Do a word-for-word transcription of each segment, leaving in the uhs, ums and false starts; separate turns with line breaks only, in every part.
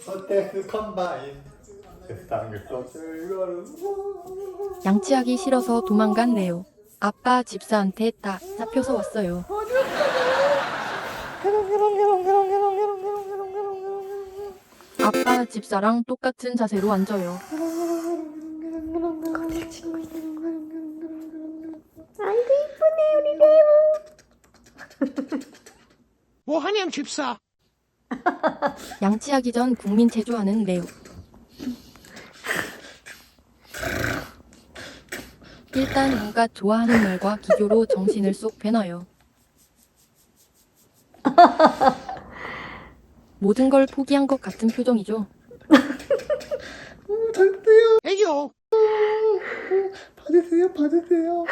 서태스 컴바인 세상에서 즐거운
양치하기 싫어서 도망간 레오. 아빠 집사한테 다 잡혀서 왔어요. 아빠 집사랑 똑같은 자세로 앉아요.
아이고 이쁘네 우리 레오.
뭐하냐 집사.
양치하기 전 국민 체조하는 레오. 일단 온갖 좋아하는 말과 기교로 정신을 쏙 빼놔요. 모든 걸 포기한 것 같은 표정이죠.
절대요.
애교.
받으세요, 받으세요.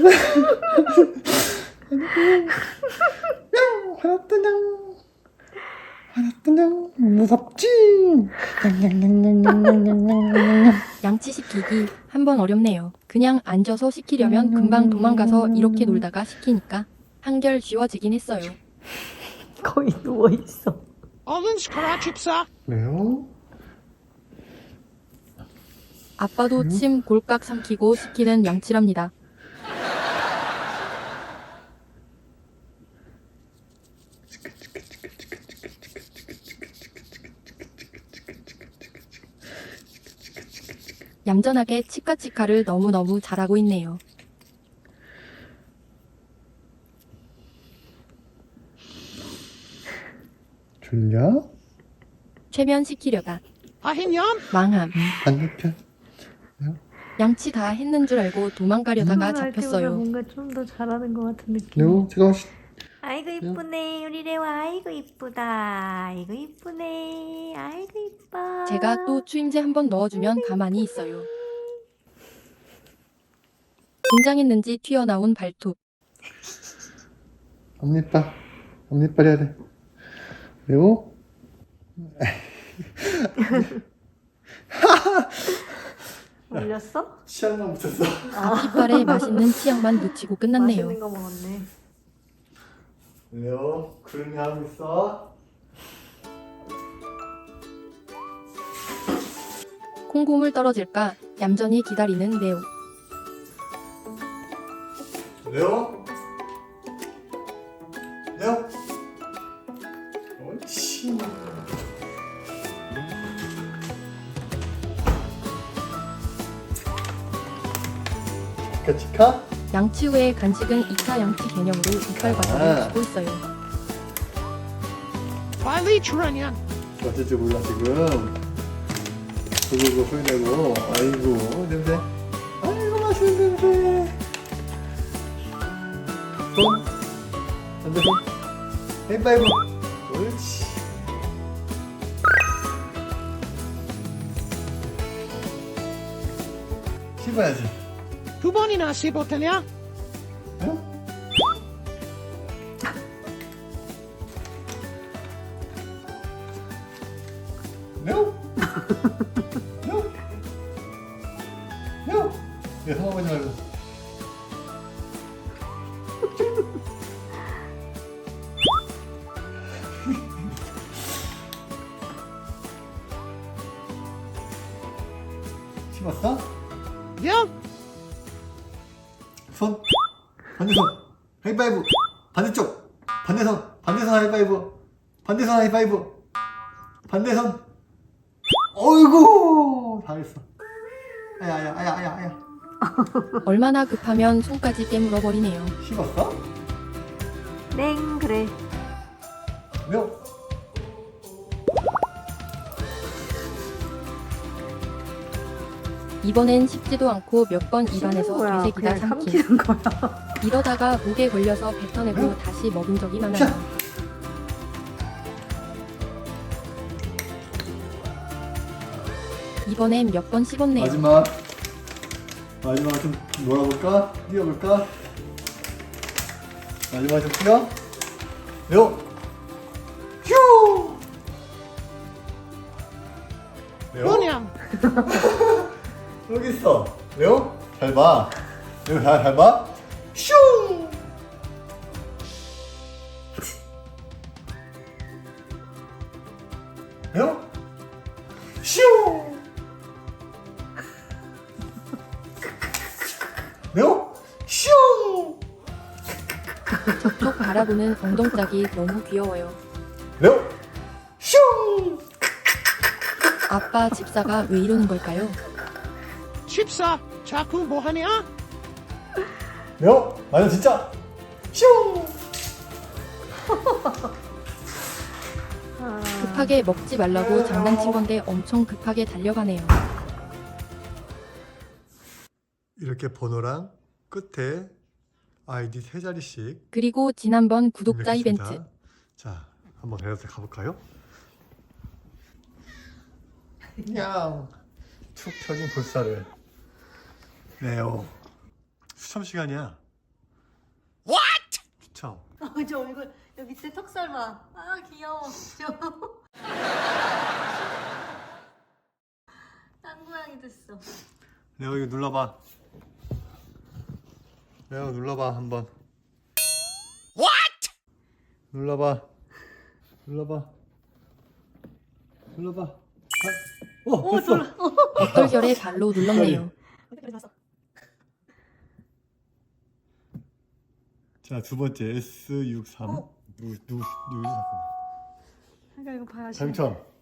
화났다냥, 화났다냥. 무섭지.
양치시키기 한번 어렵네요. 그냥 앉아서 시키려면 금방 도망가서 이렇게 놀다가 시키니까 한결 쉬워지긴 했어요.
거의 누워 있어.
얼른 시켜라 집사.
왜요?
아빠도 침 골깍 삼키고 시키는 양치랍니다. 얌전하게 치카치카를 너무너무 잘하고 있네요.
졸려?
최면시키려다
아hin년.
망함.
반대편.
양치 다 했는 줄 알고 도망가려다가
도망갈 때보다
잡혔어요.
뭔가 좀 더 잘하는 것 같은 느낌.
레오, 제가 시...
아이고 이쁘네 우리 레오. 아이고 이쁘다. 아이고 이쁘네. 아이고 이뻐.
제가 또 추임새 한번 넣어주면 가만히 있어요. 긴장했는지 튀어나온 발톱.
앞니빨, 앞니빨 해야 돼. 레오?
올렸어?
치약만 붙였어.
앞이빨에 맛있는 치약만 묻히고 끝났네요.
맛있는 거 먹었네.
레오, 구름이 하고 있어.
콩고물 떨어질까 얌전히 기다리는 레오.
레오? 레오? 옳지. 치카 치카?
양치 후의 간식은 이 차 양치 개념으로 이빨 과자를
아.
주고 있어요.
빨리 출하냐.
어쩔 줄 몰라 지금. 그거 소리 내고. 아이고 냄새. 아이고 맛있는 냄새. 손. 반대 손. 헤이파이브. 옳지. 씹어야지.
두 번이나 씹었더냐.
응? No? No? No? 야, 상황하지 말고. 씹었어?
야.
손. 반대손. 하이파이브. 반대쪽. 반대손. 반대손 하이파이브. 반대손 하이파이브. 반대손. 어이구. 잘했어. 아야, 아야, 아야, 아야, 아야.
얼마나 급하면 손까지 깨물어 버리네요.
씹었어?
땡 그래.
명.
이번엔 씹지도 않고 몇 번 입안에서
거야.
되새기다
그냥
삼킴.
삼키는 거야.
이러다가 목에 걸려서 뱉어내고 다시 먹은 적이 많아요.
자.
이번엔 몇 번 씹었네요.
마지막. 마지막 좀 놀아볼까? 뛰어볼까? 마지막 좀 뛰어. 레오. 휴. 레오.
뭐냐.
여기 있어. 레오. 잘 봐. 레오 잘, 잘 봐. 슝. 레오. 슈! 레오 슈!
저쪽 바라보는 엉덩짝이 너무 귀여워요.
레오 슈!
아빠 집사가 왜 이러는 걸까요?
집사, 자꾸 뭐하냐?
레오 맞아 진짜 슈!
급하게 먹지 말라고 장난친 건데 엄청 급하게 달려가네요.
이렇게 번호랑 끝에 아이디 세 자리씩
그리고 지난번 구독자
입력했습니다.
이벤트.
자, 한번 배워서 가볼까요? 그냥 툭 펴진 볼살을 네오 수첨 시간이야. What? 수첨.
어, 저 얼굴 여기 밑에 턱살 봐. 아 귀여워. 짱구양이 됐어.
레오 이거 눌러봐. 레오 눌러봐 한번. What? 눌러봐. 눌러봐. 눌러봐. 아, 어, 됐어.
얼결에 발로 눌렀네요.
자, 두 번째 에스 육십삼.
어?
누, 누, 누, 잠깐만.
그러니까 이거 봐야지.
당첨.